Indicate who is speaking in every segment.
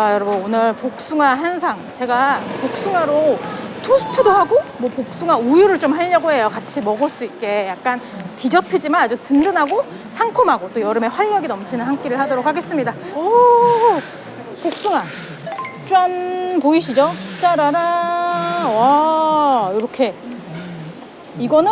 Speaker 1: 자, 여러분 오늘 복숭아 한상, 제가 복숭아로 토스트도 하고 뭐 복숭아 우유를 좀 하려고 해요. 같이 먹을 수 있게 약간 디저트지만 아주 든든하고 상콤하고 또 여름에 활력이 넘치는 한 끼를 하도록 하겠습니다. 오, 복숭아 짠, 보이시죠? 짜라라. 와, 이렇게 이거는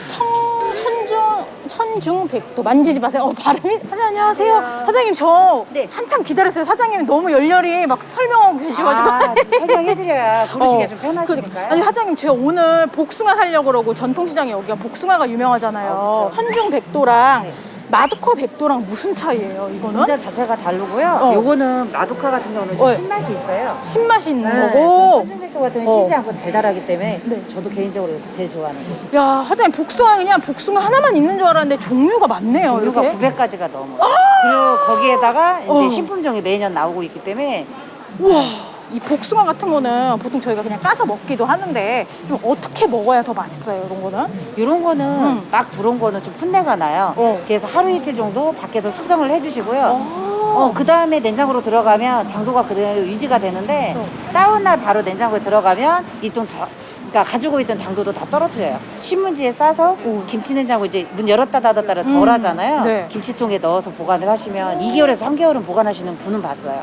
Speaker 1: 천중백도. 만지지 마세요. 발음이. 사장님 안녕하세요. 사장님 저
Speaker 2: 네.
Speaker 1: 한참 기다렸어요. 사장님이 너무 열렬히 막 설명하고 계셔가지고.
Speaker 2: 설명해드려야 고르시기가 좀 편하시니까요.
Speaker 1: 아니 사장님 제가 오늘 복숭아 사려고 그러고 전통시장에 여기가 복숭아가 유명하잖아요.
Speaker 2: 그렇죠.
Speaker 1: 천중백도랑
Speaker 2: 네.
Speaker 1: 마두커 백도랑 무슨 차이예요 이거는?
Speaker 2: 분자 자체가 다르고요. 요거는 마두카 같은 경우는 좀 신맛이 있어요.
Speaker 1: 신맛이 있는
Speaker 2: 네,
Speaker 1: 거고.
Speaker 2: 천중백도 같은 경우는 시지 않고 달달하기 때문에
Speaker 1: 네.
Speaker 2: 저도 개인적으로 제일 좋아하는 거예요.
Speaker 1: 야 사장님 복숭아 그냥 복숭아 하나만 있는 줄 알았는데 종류가 많네요.
Speaker 2: 종류가
Speaker 1: 이렇게.
Speaker 2: 900가지가 넘어요. 그리고 거기에다가 이제 신품종이 매년 나오고 있기 때문에
Speaker 1: 우와, 이 복숭아 같은 거는 보통 저희가 그냥 까서 먹기도 하는데 좀 어떻게 먹어야 더 맛있어요, 이런 거는?
Speaker 2: 이런 거는 막 들어온 거는 좀 풋내가 나요. 그래서 하루 이틀 정도 밖에서 수성을 해주시고요. 그 다음에 냉장고로 들어가면 당도가 그대로 유지가 되는데 다운날 바로 냉장고에 들어가면 그러니까 가지고 있던 당도도 다 떨어뜨려요. 신문지에 싸서 김치 냉장고 이제 문 열었다 닫았다 덜 하잖아요.
Speaker 1: 네.
Speaker 2: 김치통에 넣어서 보관을 하시면 2개월에서 3개월은 보관하시는 분은 봤어요.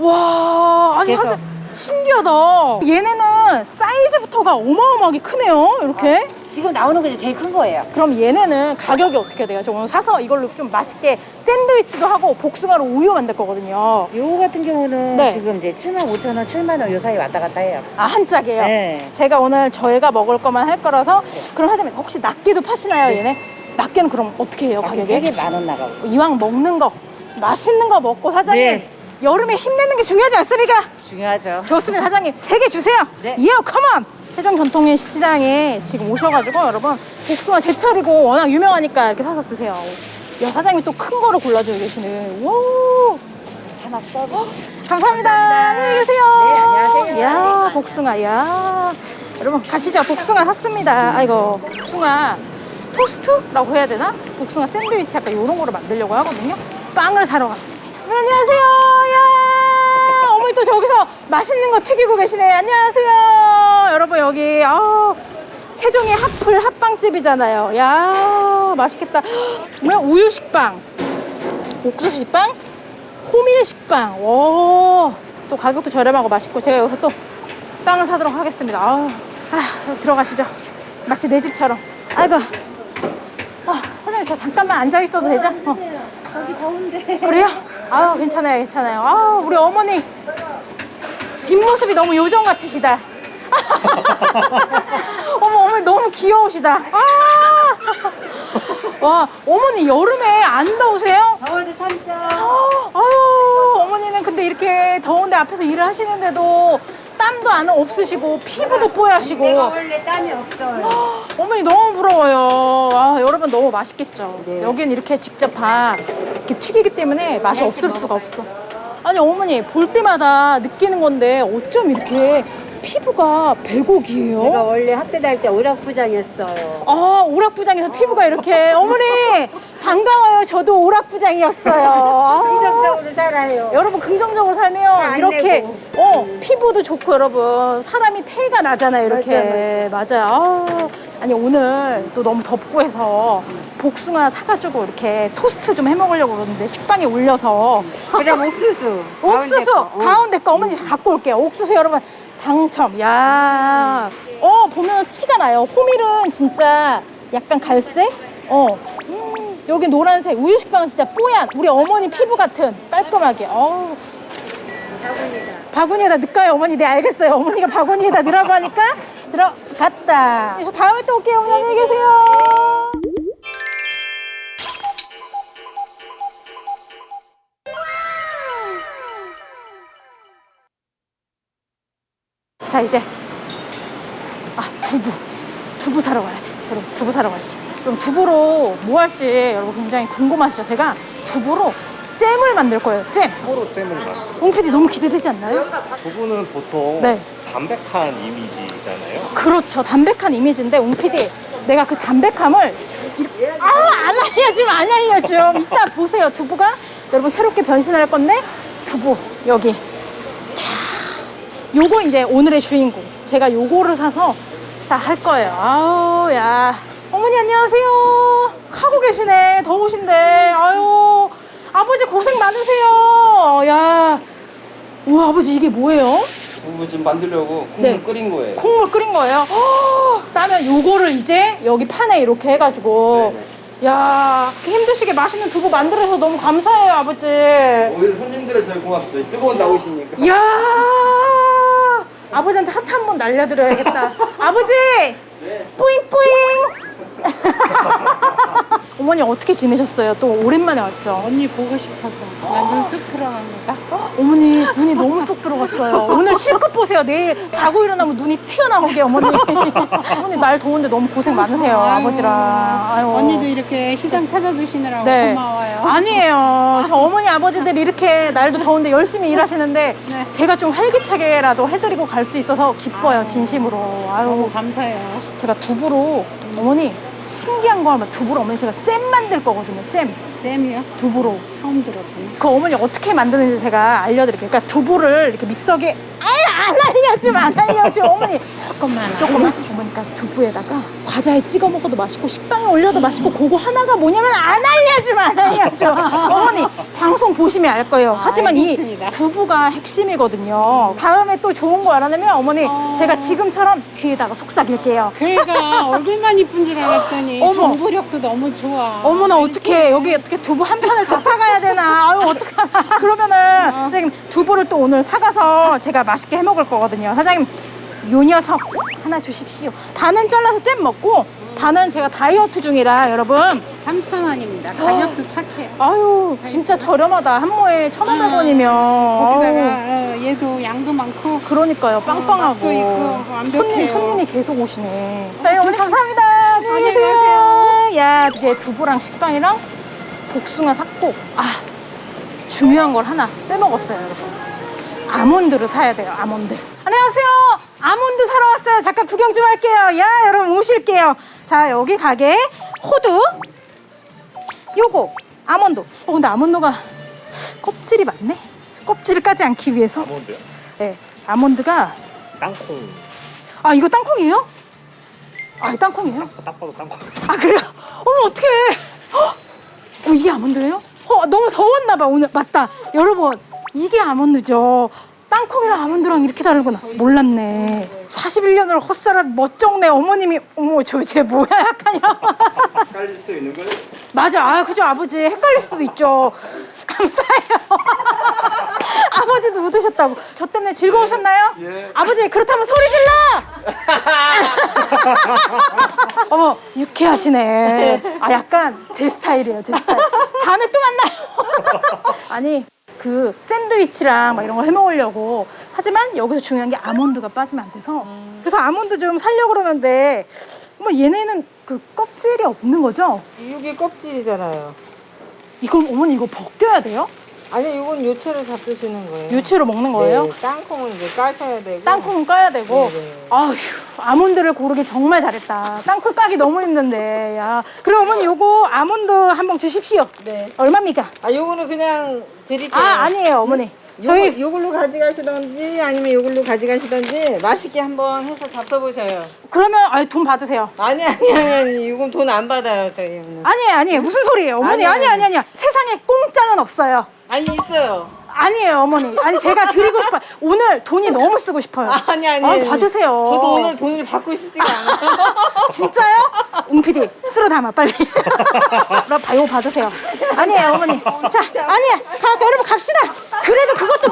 Speaker 1: 와, 아니
Speaker 2: 그래서-
Speaker 1: 사실 신기하다. 얘네는 사이즈부터가 어마어마하게 크네요, 이렇게.
Speaker 2: 지금 나오는 게 이제 제일 큰 거예요.
Speaker 1: 그럼 얘네는 가격이 어떻게 돼요? 저 오늘 사서 이걸로 좀 맛있게 샌드위치도 하고 복숭아로 우유 만들 거거든요.
Speaker 2: 요거 같은 경우는
Speaker 1: 네.
Speaker 2: 지금 이제 75,000원, 7만원 요 사이 왔다 갔다 해요.
Speaker 1: 아, 한 짝이에요?
Speaker 2: 네.
Speaker 1: 제가 오늘 저희가 먹을 것만 할 거라서. 그럼 하자면 혹시 낱개도 파시나요, 얘네? 낱개는 그럼 어떻게 해요, 가격이?
Speaker 2: 3개 10,000원 나가고 있어요.
Speaker 1: 이왕 먹는 거, 맛있는 거 먹고 사장님
Speaker 2: 네.
Speaker 1: 여름에 힘내는 게 중요하지 않습니까?
Speaker 2: 중요하죠.
Speaker 1: 좋습니다. 사장님 3개 주세요.
Speaker 2: 네.
Speaker 1: 이어 컴온. 세종 전통의 시장에 지금 오셔가지고 여러분 복숭아 제철이고 워낙 유명하니까 이렇게 사서 쓰세요. 야, 사장님이 또 큰 거를 골라주고 계시네. 오,
Speaker 2: 하나 서비스.
Speaker 1: 감사합니다. 안녕히 계세요.
Speaker 2: 네, 안녕하세요.
Speaker 1: 야, 복숭아. 야, 여러분 가시죠. 복숭아 샀습니다. 아이고, 복숭아 토스트라고 해야 되나? 복숭아 샌드위치 약간 이런 거를 만들려고 하거든요. 빵을 사러 갑니다. 안녕하세요. 야, 어머니 또 저기서 맛있는 거 튀기고 계시네. 안녕하세요. 여러분 여기 세종의 핫플 핫빵집이잖아요. 야, 맛있겠다. 뭐야? 우유 식빵, 옥수수 식빵, 호밀 식빵. 오, 또 가격도 저렴하고 맛있고. 제가 여기서 또 빵을 사도록 하겠습니다. 들어가시죠. 마치 내 집처럼. 아이고. 사장님 저 잠깐만 앉아 있어도 되죠?
Speaker 2: 여기 더운데.
Speaker 1: 그래요? 괜찮아요, 괜찮아요. 우리 어머니 뒷모습이 너무 요정 같으시다. 어머니 너무 귀여우시다. 와, 어머니 여름에 안 더우세요?
Speaker 2: 더워도 참죠.
Speaker 1: 어머니는 근데 이렇게 더운데 앞에서 일을 하시는데도 땀도 안 없으시고 피부도 뽀얗시고.
Speaker 2: 내가 원래 땀이 없어요.
Speaker 1: 어머니 너무 부러워요. 여러분 너무 맛있겠죠?
Speaker 2: 네.
Speaker 1: 여긴 이렇게 직접 다 이렇게 튀기기 때문에 맛이 없을 수가 없어. 아니 어머니 볼 때마다 느끼는 건데 어쩜 이렇게 피부가 백옥이에요?
Speaker 3: 제가 원래 학교 다닐 때 오락부장이었어요.
Speaker 1: 오락부장에서 피부가 이렇게. 어머니 반가워요. 저도 오락부장이었어요.
Speaker 3: 긍정적으로 살아요.
Speaker 1: 여러분 긍정적으로 살면
Speaker 3: 안
Speaker 1: 이렇게
Speaker 3: 내고.
Speaker 1: 피부도 좋고 여러분 사람이 태가 나잖아요, 이렇게. 맞아요. 아니 오늘 또 너무 덥고 해서 복숭아 사가지고 이렇게 토스트 좀 해먹으려고 그러는데 식빵에 올려서.
Speaker 3: 그럼 옥수수.
Speaker 1: 옥수수 가운데 거 어머니 갖고 올게요. 옥수수 여러분 당첨. 야, 보면 티가 나요. 호밀은 진짜 약간 갈색. 여기 노란색. 우유 식빵은 진짜 뽀얀 우리 어머니 피부 같은 깔끔하게. 바구니에다 넣을까요, 어머니? 네, 알겠어요. 어머니가 바구니에다 넣으라고 하니까 들어갔다. 저 다음에 또 올게요. 어머니 안녕히 계세요. 자, 이제 두부 사러 가야 돼. 그럼 두부 사러 가시죠. 그럼 두부로 뭐 할지 여러분 굉장히 궁금하시죠? 제가 두부로 잼을 만들 거예요. 잼.
Speaker 4: 서로 잼을 만들어요.
Speaker 1: 옹 PD 너무 기대되지 않나요?
Speaker 4: 두부는 보통
Speaker 1: 네.
Speaker 4: 담백한 이미지잖아요.
Speaker 1: 그렇죠. 담백한 이미지인데 옹 PD 내가 그 담백함을 안 알려줌. 이따 보세요. 두부가 여러분 새롭게 변신할 건데 두부 여기 요거 이제 오늘의 주인공. 제가 요거를 사서 다 할 거예요. 아우, 야. 어머니 안녕하세요. 하고 계시네. 더우신데. 아유. 아버지 고생 많으세요. 야. 우와, 아버지 이게 뭐예요?
Speaker 5: 두부 좀 만들려고 국물
Speaker 1: 네.
Speaker 5: 끓인 거예요.
Speaker 1: 콩물 끓인 거예요. 그러면 요거를 이제 여기 판에 이렇게 해가지고. 야, 그렇게 힘드시게 맛있는 두부 만들어서 너무 감사해요, 아버지.
Speaker 5: 오히려 손님들은 저희 고맙죠. 뜨거운 나오시니까.
Speaker 1: 이야, 아버지한테 하트 한 번 날려드려야겠다. 아버지, 뿌잉뿌잉. 어머니 어떻게 지내셨어요? 또 오랜만에 왔죠?
Speaker 6: 언니 보고 싶어서 완전 쑥 들어갑니다.
Speaker 1: 어머니 눈이 너무 쏙 들어갔어요. 오늘 실컷 보세요. 내일 자고 일어나면 눈이 튀어나오게 어머니. 어머니 날 더운데 너무 고생 많으세요. 아버지랑. 아유.
Speaker 6: 언니도 이렇게 시장 찾아주시느라고
Speaker 1: 네.
Speaker 6: 고마워요.
Speaker 1: 아니에요. 저 어머니 아버지들 이렇게 날도 더운데 열심히 일하시는데
Speaker 6: 네.
Speaker 1: 제가 좀 활기차게라도 해드리고 갈 수 있어서 기뻐요. 진심으로. 아유.
Speaker 6: 너무 감사해요.
Speaker 1: 제가 두부로 어머니 신기한 거 하면 두부로 어머니 제가 잼 만들 거거든요. 잼.
Speaker 6: 쌤이요?
Speaker 1: 두부로.
Speaker 6: 처음 들었군요.
Speaker 1: 그 어머니 어떻게 만드는지 제가 알려드릴게요. 그러니까 두부를 이렇게 믹서기에 안 알려줘 어머니 조금만 어머니 그러니까 두부에다가 과자에 찍어 먹어도 맛있고 식빵에 올려도 맛있고 그거 하나가 뭐냐면 안 알려줘 어머니 방송 보시면 알 거예요. 하지만
Speaker 6: 알겠습니다.
Speaker 1: 이 두부가 핵심이거든요. 다음에 또 좋은 거 알아내면 어머니 제가 지금처럼 귀에다가 속삭일게요.
Speaker 6: 그러니까 얼굴만 이쁜 줄 알았더니
Speaker 1: 어머.
Speaker 6: 정보력도 너무 좋아.
Speaker 1: 어머나 어떡해 여기 어떻게 두부 한 판을 다 사가야 되나 아유 어떡하나 그러면은 사장님 두부를 또 오늘 사가서 제가 맛있게 해 먹을 거거든요. 사장님 요 녀석 하나 주십시오. 반은 잘라서 잼 먹고 반은 제가 다이어트 중이라 여러분
Speaker 6: 3,000원입니다. 가격도 착해요.
Speaker 1: 아유 진짜 저렴하다. 한 모에 1,500원이면
Speaker 6: 거기다가 얘도 양도 많고
Speaker 1: 그러니까요 빵빵하고
Speaker 6: 맛도 있고 완벽해요.
Speaker 1: 손님이 계속 오시네. 네 어머니 감사합니다. 안녕히 계세요. 야 이제 두부랑 식빵이랑 복숭아 샀고 중요한 걸 하나 빼먹었어요 여러분. 아몬드를 사야 돼요. 아몬드. 안녕하세요. 아몬드 사러 왔어요. 잠깐 구경 좀 할게요. 야 여러분 오실게요. 자 여기 가게 호두 요거 아몬드. 근데 아몬드가 껍질이 많네. 껍질을 까지 않기 위해서.
Speaker 4: 아몬드요?
Speaker 1: 네 아몬드가
Speaker 4: 땅콩.
Speaker 1: 이거 땅콩이에요? 이거 땅콩이에요?
Speaker 4: 딱 봐도 땅콩.
Speaker 1: 그래요? 어머 어떡해. 이게 아몬드예요? 너무 더웠나 봐 오늘. 맞다 여러분 이게 아몬드죠. 땅콩이랑 아몬드랑 이렇게 다르구나. 몰랐네. 41년을 헛살아 멋쩍네 어머님이. 어머 쟤 뭐야 약간요.
Speaker 5: 깔릴 수 있는 거예요?
Speaker 1: 맞아. 그죠 아버지 헷갈릴 수도 있죠. 감사해요. 아버지도 웃으셨다고. 저 때문에 즐거우셨나요?
Speaker 5: 예.
Speaker 1: 아버지 그렇다면 소리 질러. 어머 유쾌하시네. 약간 제 스타일이에요. 제 스타일. 다음에 또 만나요. 아니 그 샌드위치랑 막 이런 거 해 먹으려고 하지만 여기서 중요한 게 아몬드가 빠지면 안 돼서 그래서 아몬드 좀 사려고 그러는데 얘네는 그 껍질이 없는 거죠?
Speaker 3: 이게 껍질이잖아요.
Speaker 1: 이걸 어머니 이거 벗겨야 돼요?
Speaker 3: 아니 이건 요체를 잡수시는 거예요.
Speaker 1: 유채로 먹는 거예요?
Speaker 3: 네, 땅콩을 이제 까셔야 되고.
Speaker 1: 땅콩은 까야 되고.
Speaker 3: 네.
Speaker 1: 아휴, 아몬드를 고르기 정말 잘했다. 땅콩 까기 너무 힘든데. 야. 그럼 어머니 요거 아몬드 한 봉 주십시오.
Speaker 3: 네.
Speaker 1: 얼마입니까?
Speaker 3: 요거는 그냥 드릴게요.
Speaker 1: 아니에요, 어머니.
Speaker 3: 저희 요걸로 가져가시던지 아니면 요걸로 가져가시던지 맛있게 한번 해서 잡숴보셔요.
Speaker 1: 그러면 돈 받으세요.
Speaker 3: 아니 이건 돈 안 받아요 저희는.
Speaker 1: 아니에요. 무슨 소리예요? 어머니, 아니. 세상에 공짜는 없어요.
Speaker 3: 아니 있어요.
Speaker 1: 아니에요, 어머니. 제가 드리고 싶어요. 오늘 돈이 너무 쓰고 싶어요.
Speaker 3: 아니.
Speaker 1: 받으세요.
Speaker 3: 저도 오늘 돈을 받고 싶지가 않아요.
Speaker 1: 진짜요? 웅PD 쓸어 담아 빨리. 그럼 이거 받으세요. 아니에요 어머니. 자 아니야 여러분 갑시다. 그래도 그것도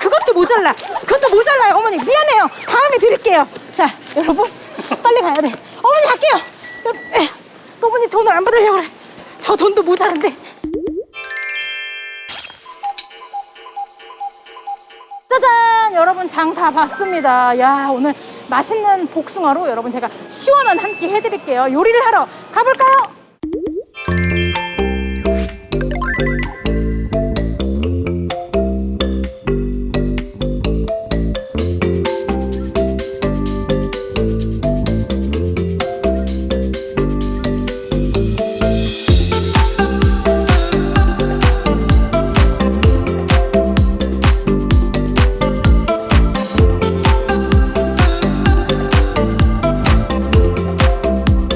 Speaker 1: 모자라요 어머니. 미안해요. 다음에 드릴게요. 자 여러분 빨리 가야 돼. 어머니 갈게요. 어머니 돈을 안 받으려고 그래. 저 돈도 모자란데. 짜잔 여러분 장 다 봤습니다. 야 오늘 맛있는 복숭아로 여러분 제가 시원한 한 끼 해드릴게요. 요리를 하러 가볼까요?